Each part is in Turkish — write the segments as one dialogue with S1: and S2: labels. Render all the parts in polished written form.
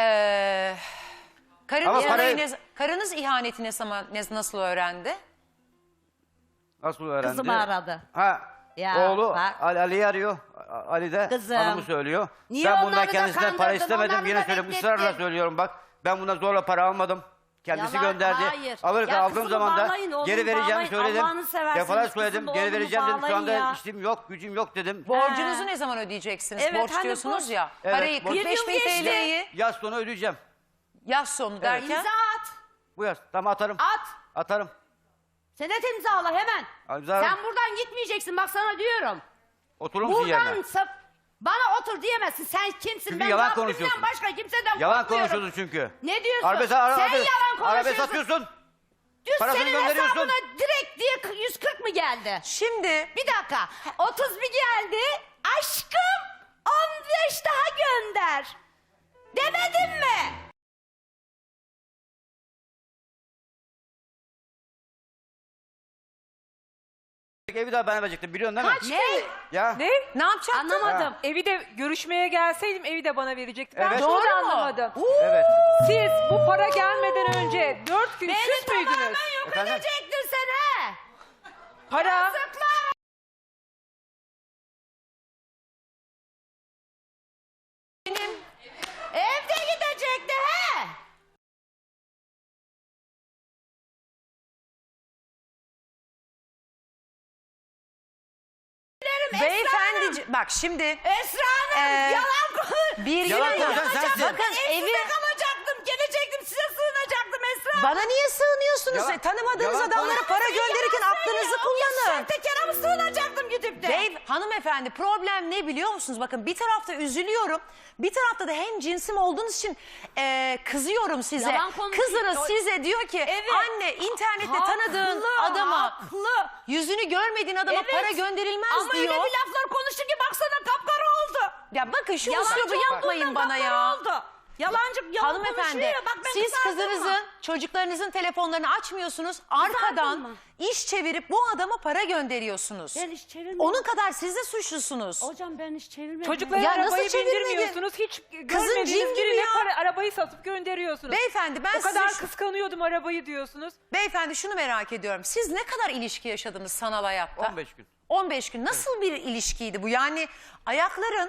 S1: Karınız ihaneti nasıl öğrendi?
S2: Nasıl öğrendi?
S3: Kızımı aradı.
S2: Ya, oğlu
S3: bak.
S2: Ali arıyor. Ali de
S3: Kızım.
S2: hanımı söylüyor.
S3: Niye
S2: Ben bundan
S3: onları da
S2: kendisinden para
S3: kandırdın,
S2: istemedim.
S3: onları
S2: Yine
S3: da
S2: söylüyorum.
S3: beklettin?
S2: Israrla söylüyorum bak. Ben bundan zorla para almadım. Kendisi
S3: Yalan,
S2: gönderdi.
S3: hayır.
S2: Aldığım
S3: kızımı
S2: zaman da
S3: bağlayın, oğlumu
S2: geri vereceğimi
S3: bağlayın.
S2: söyledim.
S3: Allah'ını seversiniz,
S2: Defalarca söyledim.
S3: kızımı,
S2: Geri
S3: oğlumu
S2: vereceğim dedim. Şu
S3: bağlayın
S2: anda
S3: ya.
S2: işim yok, gücüm yok dedim.
S1: Borcunuzu ne zaman ödeyeceksiniz?
S3: Evet,
S1: Borç
S3: hani
S1: diyorsunuz
S3: borç.
S1: ya.
S2: Evet,
S1: Parayı
S2: borç.
S1: 45 bin
S3: Bir yıl geçti.
S1: TL'yi
S2: Yaz sonu ödeyeceğim.
S1: yaz sonu derken.
S3: İmza at.
S2: Bu yaz. Tamam atarım.
S3: At.
S2: Atarım.
S3: Senet imzala hemen.
S2: İmzalarım.
S3: Sen buradan gitmeyeceksin, bak sana diyorum.
S2: Oturur musun yerine?
S3: Buradan bana otur diyemezsin. Sen kimsin?
S2: Çünkü
S3: Ben
S2: yalan
S3: Rabbimden
S2: konuşuyorsun.
S3: başka kimseden
S2: Yalan
S3: korkmuyorum.
S2: konuşuyorsun çünkü.
S3: Ne diyorsun?
S2: Arabe,
S3: Sen yalan konuşuyorsun.
S2: Arabe satıyorsun.
S3: Dün
S2: parasını
S3: senin
S2: gönderiyorsun.
S3: hesabına direkt diye 140 mı geldi?
S1: Şimdi
S3: Bir dakika. 30 bir geldi. Aşkım 15 daha gönder. Demedim mi?
S2: Evi daha bana verecektin biliyorsun değil mi?
S3: Ne?
S2: Ya.
S1: ne yapacaktın?
S3: Anlamadım.
S4: Evi de görüşmeye gelseydim evi de bana verecekti. Ben
S2: Evet.
S4: şunu
S1: Doğru
S4: da
S1: mu?
S4: anlamadım.
S2: Evet.
S4: Siz bu para gelmeden önce 4 gün
S3: Beni
S4: küs müydünüz?
S3: tamamen yok
S2: Efendim?
S3: edecektin sen he.
S4: Para
S3: Yazıklar. Evde gidecekti he.
S1: Beyefendi bak şimdi
S3: Esra Hanım yalan konuş.
S1: bir
S2: Yalan
S1: yıl
S2: konuşan sensin.
S1: bakın evi
S3: Evde kalacaktım. Gelecektim size sığınacaktım Esra Hanım.
S1: bana niye sığınıyorsunuz?
S2: Yalan-
S1: Tanımadığınız
S2: yalan
S1: adamlara
S2: konuş-
S1: para gönderirken aklınızı kullanın.
S3: Sahtekara mı sığınacaktım gidip de?
S1: Hanımefendi problem ne biliyor musunuz? Bakın bir tarafta üzülüyorum. Bir tarafta da hem cinsim olduğunuz için kızıyorum size.
S3: Yalan konuşuyor.
S1: Kızınız size diyor ki
S3: Evet.
S1: anne internette tanıdığın adama yüzünü görmediğin adama
S3: Evet.
S1: para gönderilmez
S3: Ama
S1: diyor.
S3: öyle bir laflar konuştu ki baksana kapkara oldu.
S1: Ya bakın şu
S3: Yalancı
S1: üslubu yapmayın
S3: olduğundan
S1: bana
S3: kapkara
S1: ya.
S3: oldu. Yalancı yalan
S1: Hanımefendi
S3: konuşuyor. Bak ben
S1: siz
S3: kızardım
S1: kızınızın
S3: mı?
S1: çocuklarınızın telefonlarını açmıyorsunuz. Arkadan
S3: mı?
S1: iş çevirip bu adama para gönderiyorsunuz.
S3: Ben iş çevirmedim.
S1: Onun kadar siz de suçlusunuz.
S3: Hocam ben hiç çevirmedim.
S4: çocuklara
S1: Ya nasıl
S4: arabayı
S1: çevirmedin?
S4: bindirmiyorsunuz. Hiç
S1: Kızın
S4: görmediğiniz
S1: cin gibi
S4: birine
S1: ya.
S4: para, arabayı satıp gönderiyorsunuz.
S1: Beyefendi ben
S4: O kadar
S1: size
S4: kıskanıyordum arabayı diyorsunuz.
S1: Beyefendi şunu merak ediyorum. Siz ne kadar ilişki yaşadınız sanal hayatta?
S2: 15 gün.
S1: 15 gün. Nasıl bir ilişkiydi bu? Yani ayakların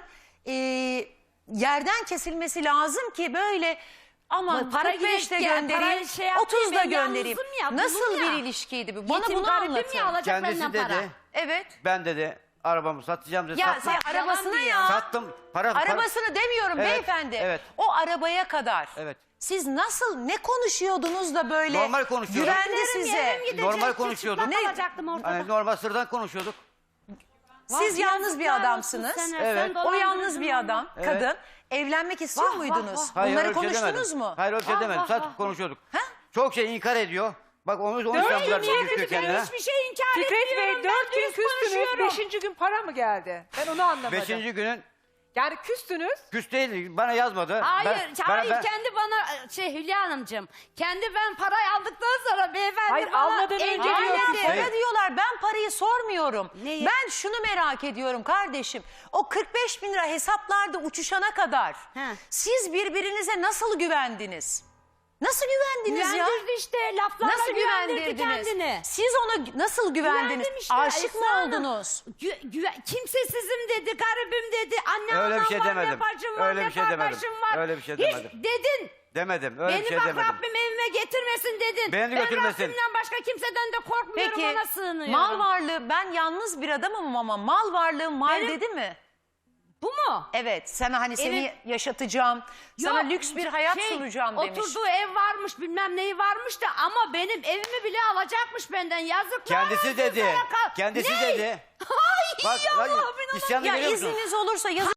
S1: yerden kesilmesi lazım ki böyle aman
S3: Para
S1: 45'te
S3: girek ya,
S1: göndereyim,
S3: parayı şey yapmayayım,
S1: 30'da
S3: ben
S1: göndereyim.
S3: yalnızım ya,
S1: Nasıl
S3: bunun ya.
S1: bir ilişkiydi bu? Bana
S3: Yetim
S1: bunu
S3: garibim
S1: anlatın.
S3: ya, alacak
S2: Kendisi
S3: benden
S2: dedi.
S3: para.
S1: Evet.
S2: Ben dedi arabamı satacağım dedi.
S1: Ya
S2: Satma.
S1: sen arabasına ya.
S2: Sattım. Para.
S1: Arabasını demiyorum
S2: Evet,
S1: beyefendi.
S2: evet.
S1: O arabaya kadar.
S2: Evet.
S1: Siz nasıl ne konuşuyordunuz da böyle
S2: Normal konuşuyorduk.
S1: güvendi size?
S2: Normal konuşuyorduk.
S3: Ne? Alacaktım ortada.
S2: Hani normal sıradan konuşuyorduk.
S1: Siz yalnız bir adamsınız.
S2: Evet.
S1: O yalnız bir adam,
S2: Evet.
S1: kadın. Evlenmek istiyor
S3: Vah, vah,
S1: muydunuz?
S3: vah.
S2: Hayır,
S1: Bunları
S2: öyle bir şey
S1: konuştunuz
S2: demedim.
S1: mu?
S2: Hayır öyle bir şey demedim.
S3: vah,
S2: Sadece
S3: vah.
S2: konuşuyorduk.
S1: Ha?
S2: Çok şey inkar ediyor. Bak onu
S4: Öyle
S2: yaptılar
S4: niye
S2: düşüyor
S4: kötü
S2: kendine.
S3: Hiçbir şey inkar
S4: Fikret
S3: etmiyorum.
S4: Bey 4
S3: Ben
S4: gün
S3: düz
S4: küstünüz.
S3: konuşuyorum.
S4: 5. gün para mı geldi? Ben onu anlamadım.
S2: 5. günün
S4: Yani küstünüz.
S2: küs değil. Bana yazmadı.
S3: Hayır,
S2: Ben-
S3: kendi bana Hülya Hanımcığım. Kendi ben parayı aldıktan sonra beyefendi
S4: Hayır,
S3: bana
S4: almadan önce
S3: engel
S4: diyorsun.
S3: etti.
S1: Para
S2: Hayır.
S1: diyorlar. Ben parayı sormuyorum.
S3: Neyi?
S1: Ben şunu merak ediyorum kardeşim. O 45 bin lira hesaplarda uçuşana kadar
S3: He.
S1: siz birbirinize nasıl güvendiniz? Nasıl güvendiniz ya?
S3: Güvendirdi işte laflarla
S1: Nasıl
S3: güvendirdi
S1: güvendirdiniz?
S3: kendini.
S1: Siz ona nasıl güvendiniz?
S3: Güvendim işte,
S1: Aşık mı
S3: Esra Hanım.
S1: oldunuz?
S3: Kimsesizim dedi, garibim dedi. Anne
S2: Öyle bir
S3: anam
S2: şey
S3: var,
S2: demedim.
S3: ne bacım var,
S2: Öyle
S3: ne
S2: bir şey demedim.
S3: kardeşim var.
S2: Öyle bir şey
S3: Hiç
S2: demedim.
S3: dedin.
S2: Demedim. Öyle
S3: Beni
S2: bir şey
S3: bak
S2: demedim.
S3: Rabbim evime getirmesin dedin.
S2: Beni de götürmesin.
S3: Ben Rabbimden başka kimseden de korkmuyorum,
S1: Peki
S3: ona sığınıyorum.
S1: mal varlığı ben yalnız bir adamım ama mal varlığım var
S3: Benim-
S1: dedi mi?
S3: Bu mu?
S1: Evet sana hani seni
S3: Evet.
S1: yaşatacağım, sana
S3: Yok,
S1: lüks bir hayat sunacağım demiş.
S3: Oturduğu ev varmış, bilmem neyi varmış da ama benim evimi bile alacakmış benden. Yazıklar
S2: Kendisi
S3: olsun
S2: dedi.
S3: sana
S2: Kendisi
S3: Ne?
S2: dedi.
S3: Ay
S2: Bak,
S3: Allah'ım
S2: bak
S3: inanamıyorum.
S2: isyanı
S1: Ya
S2: görüyor musun?
S1: izniniz olursa yazın.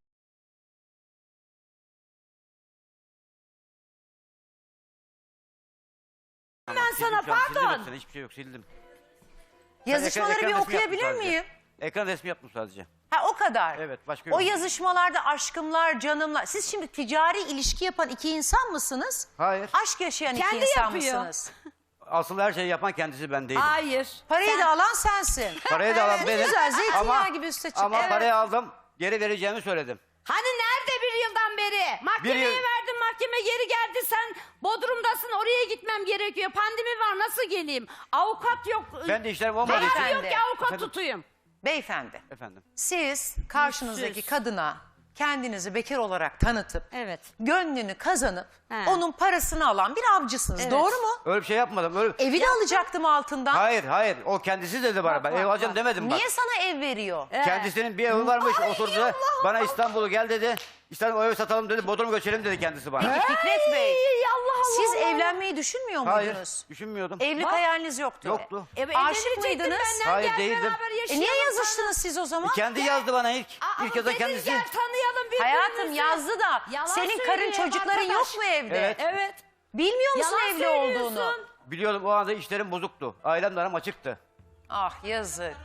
S3: Ben sana
S2: Sildim şu an, sildim
S3: pardon.
S2: hepsini, hiçbir şey yok sildim.
S1: Yazışmaları
S2: Ekran
S1: bir
S2: resmi
S1: okuyabilir
S2: yaptım sadece.
S1: miyim?
S2: Ekran resmi yaptım sadece.
S1: Ha o kadar.
S2: Evet, başka
S1: O
S2: yok.
S1: yazışmalarda aşkımlar, canımlar. Siz şimdi ticari ilişki yapan iki insan mısınız?
S2: Hayır.
S1: Aşk yaşayan
S3: Kendi
S1: iki insan
S3: yapıyor.
S1: mısınız?
S2: Asıl her şeyi yapan kendisi ben değilim.
S3: Hayır.
S1: Parayı da alan sensin.
S2: Parayı da alan
S1: Ne
S2: benim.
S1: güzel, zeytinyağı gibi üste çıktı.
S2: Ama
S1: Evet.
S2: parayı aldım, geri vereceğimi söyledim.
S3: Hani nerede bir yıldan beri? Mahkemeye
S2: Bir yıl-
S3: verdim mahkeme geri geldi. Sen Bodrum'dasın, oraya gitmem gerekiyor. Pandemi var, nasıl geleyim? Avukat yok.
S2: Ben de işlerim olmadığı için.
S3: Param yok ki avukat
S2: Efendim?
S3: tutayım.
S1: Beyefendi,
S2: Efendim.
S1: siz karşınızdaki
S3: Yüzsüz.
S1: kadına kendinizi bekar olarak tanıtıp
S3: Evet.
S1: gönlünü kazanıp
S3: He.
S1: onun parasını alan bir avcısınız.
S3: Evet.
S1: Doğru mu?
S2: Öyle bir şey yapmadım. Öyle...
S1: Evi de alacaktım altından.
S2: Hayır. O kendisi dedi bana. Ben ev alacağım demedim bak.
S1: Niye sana ev veriyor?
S2: Kendisinin bir evi varmış. Oturdu. Bana İstanbul'u gel dedi. İstanbul'u evi satalım dedi. Bodrum'a göçelim dedi kendisi bana.
S1: Fikret Bey,
S3: Ey Allah Allah.
S1: siz
S3: Allah.
S1: evlenmeyi düşünmüyor
S2: Hayır.
S1: muydunuz?
S2: Düşünmüyordum.
S1: Evlilik hayaliniz yoktu.
S2: Yoktu.
S1: Aşık
S3: evlenecektin
S1: mıydınız?
S3: benden,
S2: Hayır,
S3: gel
S2: değildim.
S3: beraber
S1: Niye
S3: yaşayalım
S1: yazıştınız siz o zaman?
S2: Kendi yazdı bana ilk.
S3: sana.
S2: İlk yazan
S3: dedin,
S2: kendisi.
S3: Gel tanıyalım birbirimizi.
S1: Hayatım yazdı da
S3: Yalan
S1: senin karın
S3: söylüyor
S1: çocukların
S3: arkadaş.
S1: yok mu evde?
S2: Evet.
S3: Evet.
S1: Bilmiyor musun
S3: Yalan
S1: evli
S3: söylüyorsun.
S1: olduğunu?
S2: Biliyordum o anda işlerim bozuktu. Ailemle aram açıktı.
S1: Ah yazık.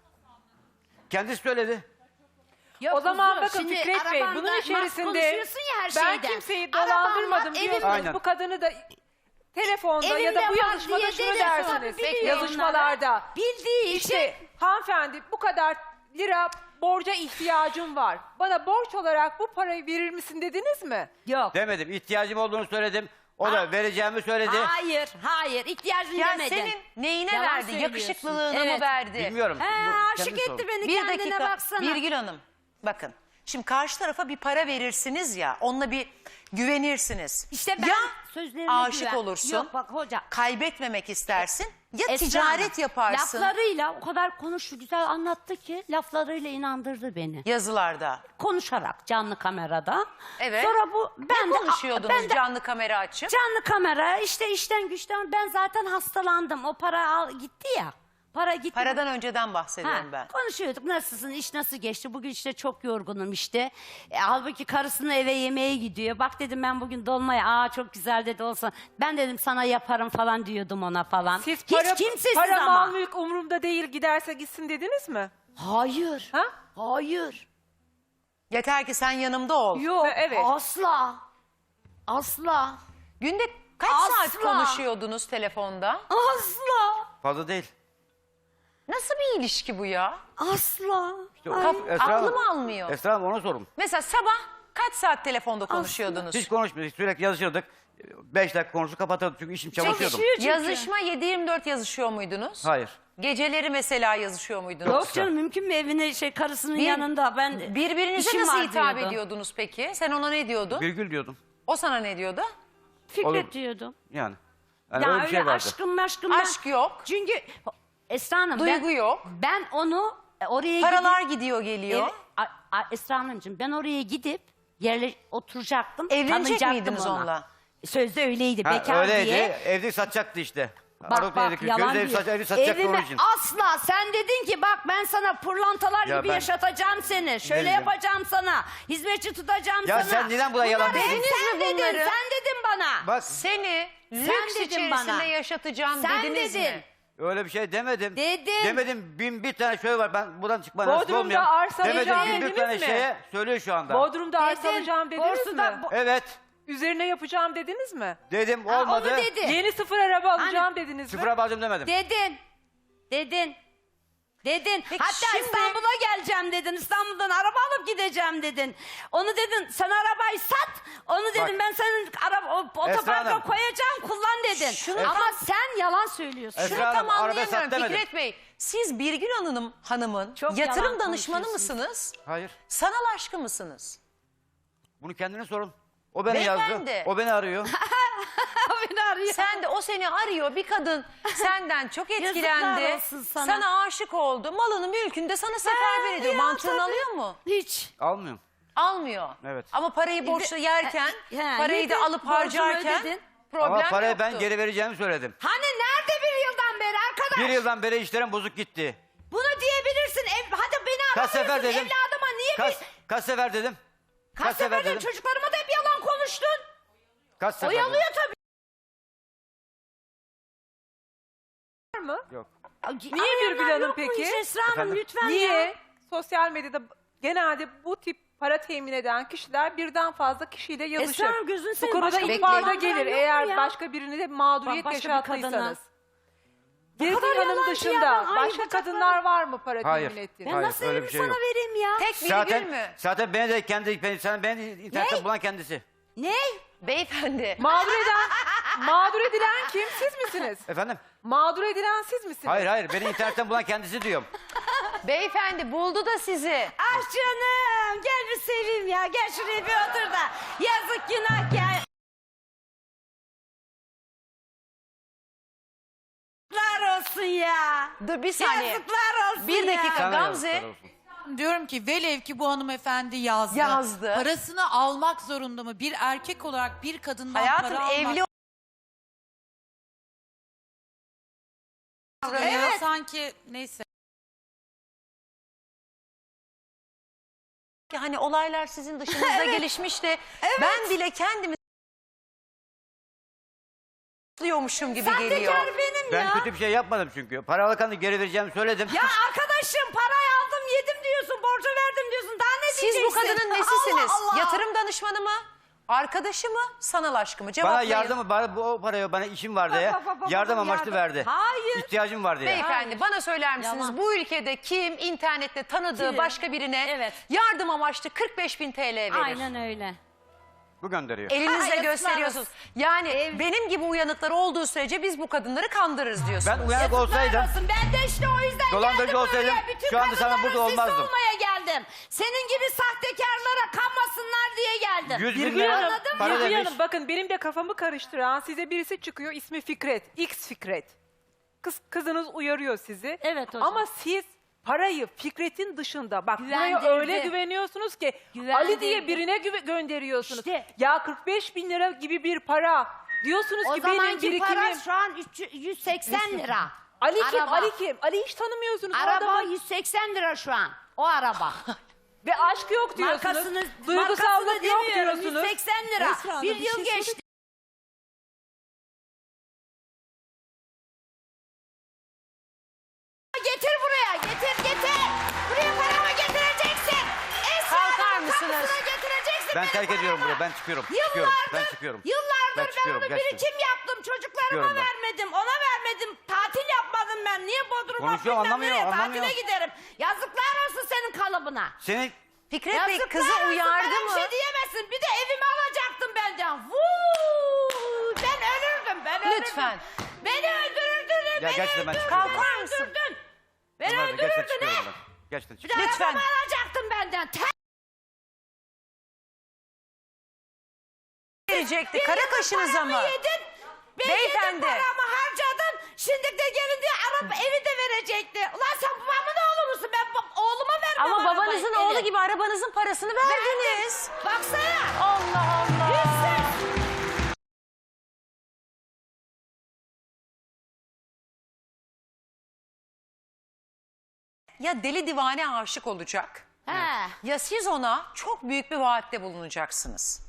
S2: Kendisi söyledi.
S3: Yok
S4: O zaman
S3: kuzum,
S4: bakın
S3: şimdi
S4: Fikret Bey,
S3: arabanda
S4: bunun
S3: nasıl
S4: içerisinde
S3: konuşuyorsun ya her
S4: ben
S3: şeyden.
S4: kimseyi
S3: Arabanda,
S4: dolandırmadım diyorsunuz.
S2: Aynen.
S4: Bu kadını da telefonda ya
S3: Evimde
S4: da bu
S3: var
S4: yazışmada
S3: diye
S4: şunu
S3: dedin,
S4: dersiniz.
S3: tabii biliyor
S4: Yazışmalarda.
S3: onları. Bildiği için.
S4: İşte hanımefendi bu kadar lira borca ihtiyacım var. Bana borç olarak bu parayı verir misin dediniz mi?
S3: Yok.
S2: Demedim. İhtiyacım olduğunu söyledim. O da vereceğimi söyledi.
S3: Hayır. İhtiyacın
S1: Ya
S3: demedin.
S1: senin neyine
S3: Yalan
S1: verdi?
S3: söylüyorsun.
S1: Yakışıklılığına mı
S3: Evet.
S1: verdi?
S2: Bilmiyorum.
S3: He,
S2: Bu
S3: aşık
S2: kendi
S3: etti
S2: sorun.
S3: beni,
S1: Bir
S3: kendine
S1: dakika
S3: baksana.
S1: Birgül Hanım bakın. Şimdi karşı tarafa bir para verirsiniz ya, onunla bir güvenirsiniz.
S3: İşte ben
S1: ya
S3: sözlerine
S1: aşık
S3: güven.
S1: olursun,
S3: Yok bak hoca.
S1: kaybetmemek istersin ya
S3: Esra
S1: ticaret
S3: Hanım,
S1: yaparsın
S3: Laflarıyla o kadar konuştu, güzel anlattı ki laflarıyla inandırdı beni.
S1: yazılarda.
S3: Konuşarak canlı kamerada.
S1: Evet.
S3: Sonra bu ben
S1: Ne
S3: de
S1: konuşuyordunuz
S3: ben de
S1: canlı kamera açıp?
S3: canlı kamera işte işten güçten ben zaten hastalandım. O para gitti ya. Para gitti.
S1: Paradan önceden
S3: Ha,
S1: bahsediyorum ben.
S3: konuşuyorduk, nasılsın, iş nasıl geçti, bugün işte çok yorgunum işte. Halbuki karısını eve yemeğe gidiyor. Bak dedim ben bugün dolmaya, çok güzel dedi olsun. Ben dedim sana yaparım falan diyordum ona falan.
S4: Siz
S3: Hiç kimsesiz
S4: para
S3: ama.
S4: mal mülk umurumda değil, giderse gitsin dediniz mi?
S3: Hayır.
S4: Ha?
S3: Hayır.
S1: Yeter ki sen yanımda ol.
S3: Yok.
S4: Evet.
S3: Asla. Asla.
S1: Günde kaç
S3: Asla.
S1: saat konuşuyordunuz telefonda?
S3: Asla.
S2: Fazla değil.
S1: Nasıl bir ilişki bu ya?
S3: Asla.
S2: İşte o-
S3: Ay.
S2: Esra Hanım-
S1: Aklım almıyor.
S2: Esra Hanım ona sorun.
S1: Mesela sabah kaç saat telefonda konuşuyordunuz?
S2: Hiç konuşmuyorduk. Sürekli yazışırdık. 5 dakika konuşup kapatırdık çünkü işim çalışıyordum.
S3: Çalışıyor çünkü.
S1: Yazışma 7-24 yazışıyor muydunuz?
S2: Hayır.
S1: Geceleri mesela yazışıyor muydunuz?
S3: Yok canım, mümkün mü evine karısının
S1: Bir-
S3: yanında ben
S1: Birbirinize
S3: işim
S1: nasıl
S3: var
S1: hitap
S3: diyordu.
S1: ediyordunuz peki? Sen ona ne diyordun?
S2: Virgül diyordum.
S1: O sana ne diyordu?
S3: Fikret
S2: Olur.
S3: diyordum.
S2: Yani.
S3: Ya
S2: öyle
S3: öyle
S2: bir şey vardı.
S3: aşkım
S1: Aşk yok.
S3: Çünkü Esra Hanım
S1: Duygu yok.
S3: ben onu oraya
S1: Paralar
S3: gidip
S1: gidiyor geliyor.
S3: Esra Hanımcığım ben oraya gidip yerle oturacaktım.
S1: Evlenecek
S3: tanıyacaktım
S1: miydiniz
S3: ona.
S1: onunla?
S3: Sözde öyleydi,
S2: Ha,
S3: bekar
S2: öyleydi.
S3: diye.
S2: Evde satacaktı işte.
S3: Bak
S2: Aruk
S3: bak
S2: evde
S3: yalan
S2: ev
S3: diyor.
S2: satacaktı onun
S3: Evime
S2: için.
S3: asla sen dedin ki bak ben sana pırlantalar
S2: Ya
S3: gibi
S2: ben-
S3: yaşatacağım seni. Şöyle
S2: diyeceğim?
S3: yapacağım sana. Hizmetçi tutacağım
S2: Ya
S3: sana.
S2: sen neden buna yalan
S3: Bunları
S2: dedin?
S3: Sen
S1: Dediniz mi
S3: dedin,
S1: bunları?
S3: sen dedin bana.
S2: Bak
S1: Seni lüks
S3: dedin
S1: içerisinde
S3: bana.
S1: yaşatacağım
S3: Sen
S1: dediniz
S3: dedin.
S1: mi?
S2: öyle bir şey demedim.
S3: Dedin.
S2: Demedim. Bir tane şöyle var. Ben buradan çıkma nasip
S4: Bodrum'da
S2: olmuyorum.
S4: arsa
S2: Demedim
S4: alacağım
S2: 11
S4: dediniz
S2: tane
S4: mi?
S2: şeye söylüyor şu anda.
S4: Bodrum'da arsa
S3: Dedin,
S4: alacağım dediniz
S3: borsuda
S4: mi?
S2: Evet.
S4: Üzerine yapacağım dediniz mi?
S2: Dedim
S3: Ha,
S2: olmadı.
S3: onu dedi.
S4: Yeni sıfır araba alacağım dediniz mi?
S2: Sıfıra bağlayacağım demedim.
S3: Dedin. Dedin. Dedin.
S1: Peki
S3: Hatta
S1: şimdi-
S3: İstanbul'a geleceğim dedin. İstanbul'dan araba alıp gideceğim dedin. Onu dedin sen arabayı sat. Onu dedim ben senin otoparka
S2: Hanım.
S3: koyacağım kullan dedin.
S1: Şunu-
S3: Ama sen yalan söylüyorsun.
S2: Esra
S1: Şunu
S2: Hanım,
S1: tam
S2: arada
S1: anlayamıyorum
S2: sat demedim.
S1: Fikret Bey. Siz Birgül Hanım'ın
S3: Çok
S1: yatırım
S3: yalan
S1: danışmanı
S3: konuşuyorsunuz.
S1: mısınız?
S2: Hayır.
S1: Sanal aşkı mısınız?
S2: Bunu kendine sorun. O beni
S1: Beyefendi.
S2: yazdı. O beni arıyor.
S3: Beni arıyor.
S1: Sen de o seni arıyor, bir kadın senden çok etkilendi.
S3: Yazıklar olsun sana.
S1: aşık oldu. Malını mülkünü de sana seferber ediyor.
S3: ya,
S1: Mantığını
S3: tabii.
S1: alıyor mu?
S3: Hiç.
S2: Almıyorum.
S1: Almıyor.
S2: Evet.
S1: Ama parayı borçlu yerken, parayı da
S3: yedin,
S1: alıp
S3: borcunu
S1: harcarken
S3: ödedin.
S1: problem
S2: Ama parayı
S1: yoktu.
S2: ben geri vereceğimi söyledim.
S3: Hani nerede bir yıldan beri arkadaş?
S2: Bir yıldan beri işlerim bozuk gitti.
S3: Bunu diyebilirsin. Hadi beni
S2: Kaç sefer
S3: aramıyorsun.
S2: dedim?
S3: Evladıma niye
S2: Kaç sefer dedim?
S3: Kaç sefer dedim? Çocuklarıma da hep yalan konuştun.
S2: Kaç sefer dedim?
S3: Oyalıyor tabii.
S4: Var mı?
S2: Yok.
S4: Niye Birgül Hanım peki?
S3: Esra Hanım
S2: Efendim?
S3: lütfen ya.
S4: Niye? Sosyal medyada genelde bu tip para temin eden kişiler birden fazla kişiyle yazışır.
S3: Esra Hanım, gözünü
S4: Bu
S3: seveyim,
S4: konuda
S3: başka bir
S4: ihbar da
S3: yalan
S4: gelir
S3: yok mu
S4: eğer
S3: ya?
S4: başka birine de mağduriyet
S3: Başka bir
S4: yaşattıysanız.
S3: kadına.
S4: Birgül
S3: kadar
S4: Hanım
S3: yalancı
S4: dışında
S3: yalan. Ay,
S4: başka
S3: bacaklarım.
S4: kadınlar var mı para
S2: Hayır.
S4: temin ettiğiniz?
S3: Ben
S2: Hayır,
S3: nasıl
S2: öyle
S3: evimi
S2: bir şey
S3: sana
S2: yok.
S3: vereyim ya?
S1: Tek Birgül mü?
S2: Zaten beni de beni internette bulan kendisi.
S3: Ne?
S1: Beyefendi.
S4: Mağdur edilen kim? Siz misiniz?
S2: Efendim?
S4: Mağdur edilen siz misiniz?
S2: Hayır beni internetten bulan kendisi diyorum.
S1: Beyefendi buldu da sizi.
S3: Ah canım gel bir seveyim ya. Gel şuraya bir otur da. Yazık günah ya. Yazıklar olsun ya.
S1: Dur bir saniye.
S3: Yazıklar olsun
S1: Bir dakika.
S3: ya.
S2: Sana
S1: Gamze.
S2: yazıklar olsun.
S5: Diyorum ki velev ki bu hanımefendi yazdı.
S1: Yazdı.
S5: Parasını almak zorunda mı? Bir erkek olarak bir kadından
S1: Hayatım
S5: para almak
S1: evli
S5: Evet. Sanki neyse.
S1: hani olaylar sizin dışınızda gelişmiş de ben bile kendimi diyormuşum gibi geliyor.
S3: Sahtekar benim
S2: Ben
S3: ya.
S2: kötü bir şey yapmadım çünkü. Para alırken de geri vereceğimi söyledim.
S3: Ya arkadaşım parayı aldım yedim diyorsun. Borcu verdim diyorsun. Daha ne
S1: Siz
S3: diyeceksin?
S1: bu kadının nesisiniz?
S3: Allah Allah.
S1: Yatırım danışmanı mı? Arkadaşı mı? Sanal aşkı mı? Cevaplayın.
S2: Bana yardım, o parayı bana işim var diye yardım amaçlı verdi.
S3: Hayır.
S2: İhtiyacım var diye.
S1: Beyefendi bana söyler misiniz
S3: Yalan.
S1: bu ülkede kim internette tanıdığı
S3: Kim?
S1: başka birine
S3: Evet.
S1: yardım amaçlı 45.000 TL verir?
S3: Aynen öyle.
S2: Bu gönderiyor.
S1: Elinizle
S3: Yazıklar
S1: gösteriyorsunuz.
S3: olsun.
S1: Yani benim gibi uyanıkları olduğu sürece biz bu kadınları kandırırız diyorsunuz.
S2: Ben uyanık olsaydım,
S3: Yazıklar olsun. Ben de işte o yüzden
S2: dolandırıcı
S3: geldim
S2: olsaydım,
S3: buraya. Bütün
S2: şu anda sana
S3: kadınların
S2: burada
S3: sesi
S2: olmazdım.
S3: olmaya geldim. Senin gibi sahtekarlara kanmasınlar diye geldim.
S2: 100 bin
S4: Birgül
S2: lira
S4: Hanım,
S2: para
S4: Birgül
S2: demiş.
S4: Hanım, bakın benim de kafamı karıştıran size birisi çıkıyor, ismi Fikret, X Fikret. Kızınız uyarıyor sizi.
S3: Evet hocam.
S4: Ama siz parayı Fikret'in dışında bak buraya
S3: Güvendirdi.
S4: öyle güveniyorsunuz ki
S3: Güvendirdi.
S4: Ali diye birine gönderiyorsunuz.
S3: İşte.
S4: Ya 45.000 lira gibi bir para diyorsunuz
S3: O
S4: ki benim
S3: zamanki
S4: birikimim.
S3: para şu an 180 lira.
S4: Ali kim?
S3: Araba.
S4: Ali kim? Ali hiç tanımıyorsunuz. O
S3: Araba
S4: adamın-
S3: 180 lira şu an. O araba.
S4: Ve aşk yok diyorsunuz.
S3: Markasını
S4: Duygusallık yok
S3: demiyorum,
S4: diyorsunuz.
S3: 180 lira.
S5: Esra Hanım,
S3: Bir
S5: bir
S3: yıl
S5: şey
S3: geçti. Getir buraya, getir. Buraya paramı getireceksin.
S1: Kalkar
S3: Esra'nın
S1: mısınız?
S3: kapısına getireceksin.
S2: Ben
S3: benim
S2: terk ediyorum
S3: paramı.
S2: burayı. Ben çıkıyorum. Çıkıyorum. Ben
S3: Yıllardır,
S2: çıkıyorum.
S3: yıllardır
S2: Ben
S3: ben
S2: çıkıyorum,
S3: onu
S2: gerçekten.
S3: birikim yaptım. Çocuklarıma
S2: Çıkıyorum ben.
S3: vermedim, ona vermedim. Tatil yapmadım ben. Niye Bodrum'a
S2: Konuşuyor,
S3: bilmem
S2: anlamıyor,
S3: nereye
S2: anlamıyor.
S3: tatile giderim. Yazıklar olsun senin kalıbına.
S2: Senin
S1: Fikret Bey
S3: Yazıklar
S1: kızı
S3: olsun,
S1: uyardı
S3: bana
S1: mı?
S3: bir şey diyemezsin. Bir de evimi alacaktın benden. Vuu, ben ölürdüm, ben ölürdüm.
S1: Lütfen.
S3: Beni öldürürdün, beni
S2: gerçekten ben
S3: öldürdün.
S2: çıkıyorum.
S1: Kalkar mısın?
S3: Öldürdün. Beni
S2: Bunlar da gerçekten
S3: öldürürdün
S2: çıkıyorum
S3: he.
S2: ben. Gerçekten
S3: Bir de
S2: çıkıyorum.
S1: Lütfen.
S3: arabamı alacaktın benden.
S1: Verecekti kara kaşınıza mı?
S3: Yedin. Ben
S1: Beyefendi.
S3: yedim paramı harcadın. Şimdi de gelin diye evi de verecekti. Ulan sen babamın oğlu musun? Ben oğluma vermem
S1: Ama
S3: arabayı,
S1: babanızın
S3: evi.
S1: oğlu gibi arabanızın parasını verdiniz.
S3: Baksana.
S1: Allah Allah.
S3: Yüzsüz.
S1: Ya deli divane aşık olacak
S3: He.
S1: ya siz ona çok büyük bir vaatte bulunacaksınız.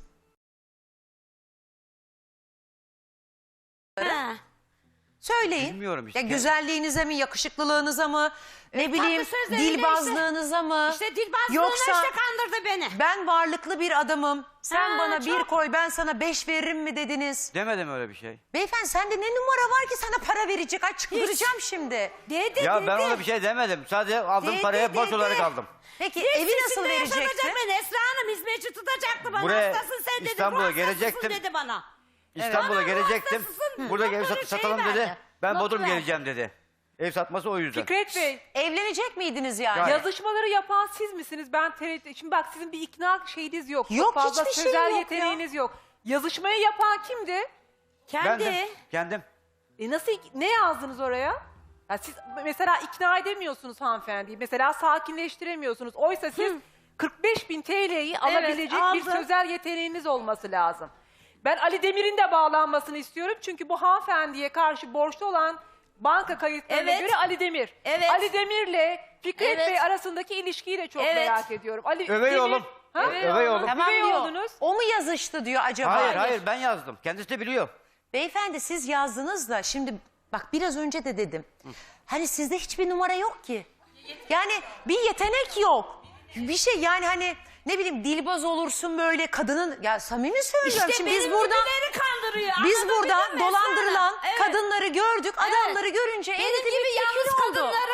S3: He.
S1: Söyleyin.
S2: Bilmiyorum işte.
S1: Ya güzelliğinize mi, yakışıklılığınıza mı, ne bileyim
S3: tatlı sözleriyle
S1: dilbazlığınıza mı?
S3: İşte dilbazlığına
S1: Yoksa
S3: işte kandırdı beni.
S1: ben varlıklı bir adamım. Sen
S3: Ha,
S1: bana bir
S3: çok.
S1: koy ben sana 5 veririm mi dediniz?
S2: Demedim öyle bir şey.
S1: Beyefendi sende ne numara var ki sana para verecek? Ay çıldıracağım şimdi.
S3: Dedi
S2: Ya ben
S3: dedi.
S2: ona bir şey demedim. Sadece aldığım
S3: Dedi,
S2: paraya borç
S3: dedi.
S2: olarak aldım.
S1: Peki
S3: Hiç
S1: evi nasıl
S3: sizinle
S1: verecekti?
S3: yaşamayacak beni. Esra Hanım hizmetçi tutacaktı bana.
S2: Buraya,
S3: Hastasın sen dedi.
S2: İstanbul'a
S3: ruh hastasısın
S2: gelecektim.
S3: dedi bana.
S2: İstanbul'a
S3: Bana
S2: gelecektim.
S3: hastasısın.
S2: Buradaki evi
S3: Notu
S2: satalım
S3: şey
S2: dedi.
S3: verdi.
S2: Ben
S3: Notu
S2: Bodrum
S3: verdi.
S2: geleceğim dedi. Ev satması o yüzden.
S4: Fikret Bey,
S1: Evlenecek miydiniz yani?
S2: Ya-
S4: yazışmaları yapan siz misiniz? Ben tereddüt. Şimdi bak sizin bir ikna şeyiniz yok. Çok
S1: Yok,
S4: fazla
S1: hiçbir şey
S4: sözel
S1: yok
S4: yeteneğiniz yok. Yazışmayı yapan kimdi?
S3: Kendi.
S2: Kendim.
S4: Nasıl ne yazdınız oraya? Ya siz mesela ikna edemiyorsunuz hanımefendiyi. Mesela sakinleştiremiyorsunuz. Oysa siz 45.000 TL'yi alabilecek bir
S3: aldım.
S4: sözel yeteneğiniz olması lazım. Ben Ali Demir'in de bağlanmasını istiyorum. Çünkü bu hanımefendiye karşı borçlu olan banka kayıtlarına
S3: Evet.
S4: göre Ali Demir.
S3: Evet.
S4: Ali Demir'le Fikret
S3: Evet.
S4: Bey arasındaki ilişkiyi de çok
S3: Evet.
S4: merak ediyorum. Ali
S2: Övey
S4: Demir-
S2: oğlum.
S4: Ha?
S2: Övey oğlum.
S1: Tamam
S4: Üvey
S1: diyor.
S4: oğlunuz.
S1: O mu yazıştı diyor acaba?
S2: Hayır ben yazdım. Kendisi de biliyor.
S1: Beyefendi siz yazdınız da şimdi bak biraz önce de dedim. Hani sizde hiçbir numara yok ki. Yani bir yetenek yok. Bir şey yani hani ne bileyim dilbaz olursun böyle kadının ya samimi söylüyorum.
S3: İşte
S1: Şimdi
S3: benim
S1: biz burada
S3: gibileri kandırıyor.
S1: biz
S3: Anladın
S1: burada
S3: mı Esra
S1: dolandırılan
S3: Hanım? Evet.
S1: kadınları gördük. Adamları görünce
S3: Benim
S1: eğitimli
S3: gibi
S1: fikir
S3: yalnız
S1: oldu.
S3: kadınları varlıklı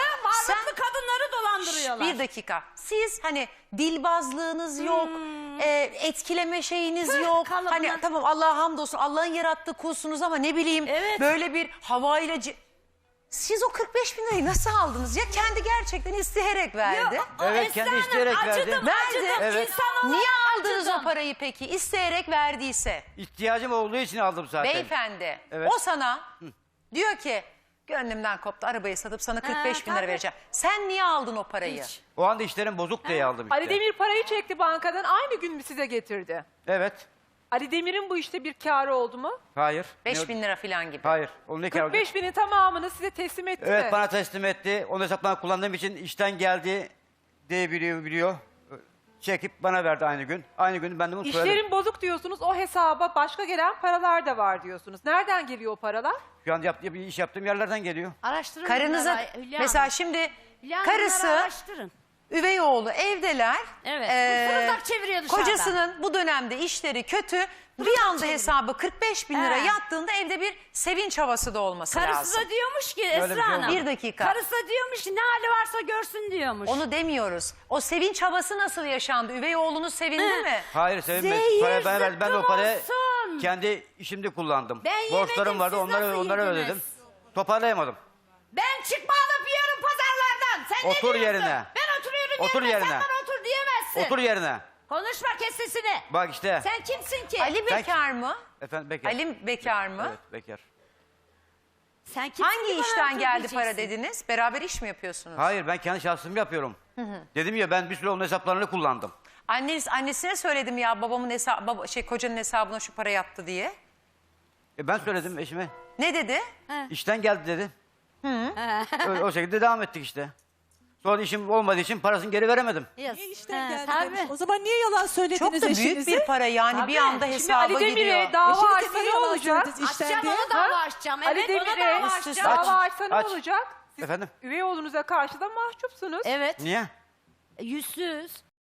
S3: Sağlıklı kadınları dolandırıyorlar.
S1: Bir dakika. Siz hani dilbazlığınız yok, etkileme şeyiniz yok.
S3: kalıbına-
S1: Hani tamam Allah'a hamdolsun Allah'ın yarattığı kulsunuz ama ne bileyim
S3: Evet.
S1: böyle bir havayla... Siz o 45 bin lirayı nasıl aldınız? Ya kendi gerçekten isteyerek verdi.
S2: Evet, kendi isteyerek verdi.
S3: Acıdım,
S1: Verdi.
S2: Evet.
S3: İnsan olarak
S1: Niye aldınız
S3: acıdım.
S1: o parayı peki? İsteyerek verdiyse.
S2: İhtiyacım olduğu için aldım zaten.
S1: Beyefendi
S2: Evet.
S1: o sana diyor ki gönlümden koptu arabayı satıp sana 45 bin lira
S3: tabii.
S1: vereceğim. Sen niye aldın o parayı?
S3: Hiç.
S2: O anda işlerim bozuk diye aldım işte.
S4: Ali Demir parayı çekti bankadan, aynı gün mü size getirdi?
S2: Evet.
S4: Ali Demir'in bu işte bir kârı oldu mu?
S2: Hayır.
S1: 5 bin lira falan gibi.
S2: Hayır. Onun ne kârı olacak?
S4: 45 binin tamamını size teslim etti mi?
S2: Evet, bana teslim etti. Onun hesaplarını kullandığım için işten geldi diye biliyor. Çekip bana verdi aynı gün. Aynı gün ben de bunu söyledim.
S4: İşlerin bozuk diyorsunuz, o hesaba başka gelen paralar da var diyorsunuz. Nereden geliyor o paralar?
S2: Şu an bir iş yaptığım yerlerden geliyor.
S3: Araştırın
S1: Karınıza
S3: bunları, Hülya
S1: mesela
S3: Hanım.
S1: şimdi
S3: Hülya Hanım, bunları
S1: karısı
S3: araştırın.
S1: üvey oğlu evdeler.
S3: Evet, fırıldak çeviriyor dışarıda.
S1: Kocasının bu dönemde işleri kötü. Bir anda hesabı 45 bin lira
S3: He.
S1: yattığında evde bir sevinç havası da olması
S3: Karısı
S1: lazım.
S3: da diyormuş ki
S2: bir şey
S3: Esra Hanım.
S2: olmadı.
S1: Bir dakika.
S3: Karısı da diyormuş ki ne hali varsa görsün diyormuş.
S1: Onu demiyoruz. O sevinç havası nasıl yaşandı? Üvey oğlunuz sevindi mi?
S2: Hayır, sevinmedi.
S3: Zehir
S2: Parayı bana verdi. Ben de o
S3: zıkkım
S2: parayı
S3: olsun.
S2: kendi işimde kullandım.
S3: Ben yemedim,
S2: Borçlarım vardı.
S3: siz
S2: Onları
S3: nasıl
S2: ödedim.
S3: yediniz?
S2: Toparlayamadım.
S3: Ben çıkma alıp yiyorum pazarlardan. Sen
S2: Otur
S3: ne diyorsun?
S2: yerine.
S3: Ben oturuyorum
S2: Otur
S3: yerine.
S2: yerine.
S3: Sen bana otur diyemezsin.
S2: Otur yerine.
S3: Konuşma, kes sesini.
S2: Bak işte.
S3: Sen kimsin ki?
S1: Ali bekar mı?
S2: Efendim bekar.
S1: Ali bekar mı?
S2: Evet, bekar.
S3: Sen kimsin
S1: Hangi
S3: ki bana
S1: işten
S3: otur
S1: geldi
S3: diyeceksin?
S1: para dediniz? Beraber iş mi yapıyorsunuz?
S2: Hayır, ben kendi şahsım yapıyorum. Dedim ya, ben bir süre onun hesaplarını kullandım.
S1: Annesine söyledim ya babamın kocanın hesabına şu para yattı diye.
S2: Ben söyledim eşime.
S1: Ne dedi?
S2: İşten geldi dedi. Öyle, o şekilde devam ettik işte. Sonra işim olmadığı için parasını geri veremedim.
S3: Yes.
S6: Niye işten geldi
S3: tabii.
S6: demiş. O zaman niye yalan söylediniz
S1: Çok da büyük
S6: eşinize?
S1: bir para yani bir
S3: Tabii.
S1: anda
S4: Şimdi
S1: hesaba
S4: Ali Demir'e
S1: gidiyor.
S4: dava
S6: Eşinize
S4: açsa
S6: niye
S4: ne
S6: yalan
S4: olacak?
S6: söylediniz işten
S3: Açacağım,
S6: diye?
S3: onu dava açacağım.
S4: Ali
S3: Evet, ona
S4: Demir'e
S3: dava
S1: Üst
S3: açacağım.
S1: üste
S4: dava açsa ne
S2: aç.
S4: olacak? Siz
S2: Efendim?
S4: üvey oğlunuza karşı da mahcupsunuz.
S3: Evet.
S2: Niye?
S3: Yüzsüz.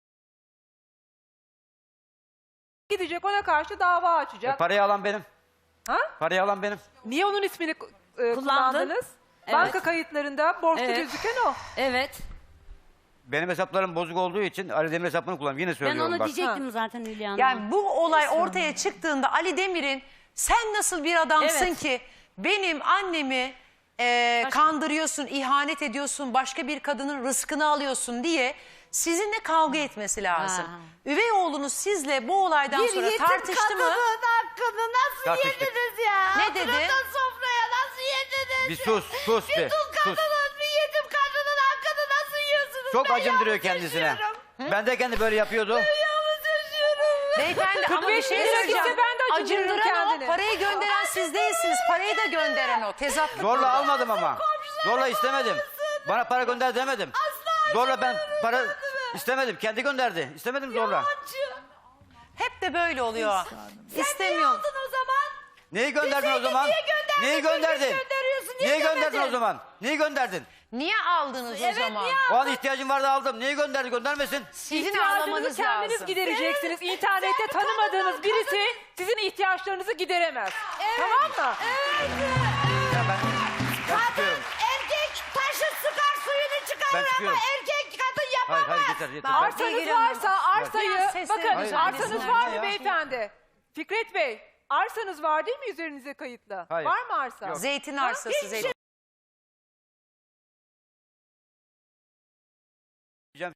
S4: Gidecek ona karşı dava açacak.
S2: Parayı alan benim.
S4: Ha?
S2: Parayı alan benim.
S4: Niye onun ismini kullandınız?
S3: Evet.
S4: Banka kayıtlarında borçta
S3: Evet.
S4: gözüken o.
S3: Evet.
S2: Benim hesaplarım bozuk olduğu için Ali Demir hesaplarını kullanıyorum. Yine
S3: Ben
S2: söylüyorum
S3: onu
S2: bak.
S3: diyecektim zaten Hülya Hanım.
S1: Yani bu olay ortaya çıktığında Ali Demir'in sen nasıl bir adamsın
S3: Evet.
S1: ki benim annemi kandırıyorsun, ihanet ediyorsun, başka bir kadının rızkını alıyorsun diye sizinle kavga etmesi lazım.
S3: Ha.
S1: Üvey oğlunuz sizle bu olaydan sonra tartıştı mı?
S3: hakkını nasıl
S2: Tartıştık.
S3: yediniz ya?
S1: Ne dedi?
S3: Oturup da sofraya nasıl yediniz?
S2: Bir sus, sus
S3: Bir
S2: bir.
S3: dul
S2: Sus.
S3: kadının, bir yetim kadının hakkını nasıl yiyorsunuz?
S2: Çok
S3: Ben
S2: acındırıyor
S3: yalnız
S2: kendisine.
S3: yaşıyorum.
S2: Bendeyken de böyle yapıyordu.
S3: Yalnız yaşıyorum.
S1: Beyefendi ama bir
S4: 45
S1: şey
S4: lira
S1: söyleyeceğim.
S4: gitse ben de acındırırım
S1: Acındıran o,
S4: kendini.
S1: parayı gönderen siz değilsiniz. Parayı da gönderen o. Tezatlık
S2: Zorla
S1: burada.
S2: almadım ama. Zorla istemedim. Bana para gönder demedim. Zorla ben para istemedim. Kendi gönderdi. İstemedim zorla.
S1: Hep de böyle oluyor.
S3: Niye
S1: İstemiyor.
S3: aldın o zaman?
S2: Neyi gönderdin o
S3: Bize
S2: zaman?
S3: niye gönderdin?
S2: Neyi gönderdin?
S3: Niye gönderiyorsun? Niye
S2: Neyi gönderdin
S3: demedin?
S2: o zaman? Neyi gönderdin?
S1: Niye aldınız o
S3: Evet,
S1: zaman?
S3: niye
S2: O an ihtiyacım vardı aldım. Neyi gönderdi? Göndermesin.
S1: Sizin
S4: İhtiyacınızı
S1: ağlamanız
S4: kendiniz
S1: lazım.
S4: gidereceksiniz. İnternette tanımadığınız birisi sizin ihtiyaçlarınızı gideremez. Tamam mı?
S2: Ben çıkıyorum.
S3: Erkek taşı sıkar suyunu çıkarır
S2: Ben
S3: ama
S2: çıkıyorum.
S3: erkek kadın
S2: Hayır,
S3: yapamaz.
S2: hayır yeter yeter.
S4: Arsanız
S1: Sevgili Hanım,
S4: varsa arsayı,
S1: biraz sesleri
S4: bakın
S2: Hayır,
S4: arsanız
S2: hayır.
S4: var mı
S2: Ya.
S4: beyefendi? Fikret Bey, arsanız var değil mi üzerinize kayıtlı?
S2: Hayır.
S4: Var mı arsa?
S2: Yok.
S1: Zeytin arsası, zeytin.
S2: Diyeceğim.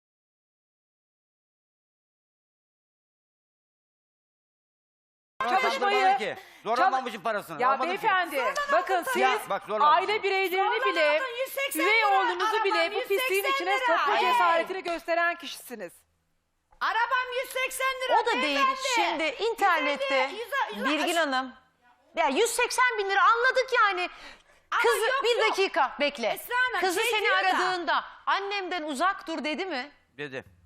S4: Çalışmayı-
S2: Zorlamadım ki. Zorlamamışım parasını.
S4: Ya
S2: Almadım ki.
S4: beyefendi, bakın siz
S2: Ya, bak zorlamadım.
S4: aile bireylerini bile,
S3: Zorlamadın, 180
S4: üvey
S3: lira.
S4: oğlunuzu bile
S3: Arabam
S4: bu pisliğin
S3: 180
S4: içine
S3: lira.
S4: sokma
S3: Hey.
S4: cesaretini gösteren kişisiniz.
S3: Arabam 180 lira.
S1: O da değil.
S3: beyefendi.
S1: Şimdi internette
S3: 150,
S1: Birgin Hanım. Ya 180 bin lira anladık yani. Kızı
S3: yok,
S1: bir
S3: yok.
S1: dakika bekle.
S3: Esra Hanım,
S1: Kızı
S3: şey
S1: seni
S3: diyor da-
S1: aradığında annemden uzak dur dedi mi?
S2: Dedi.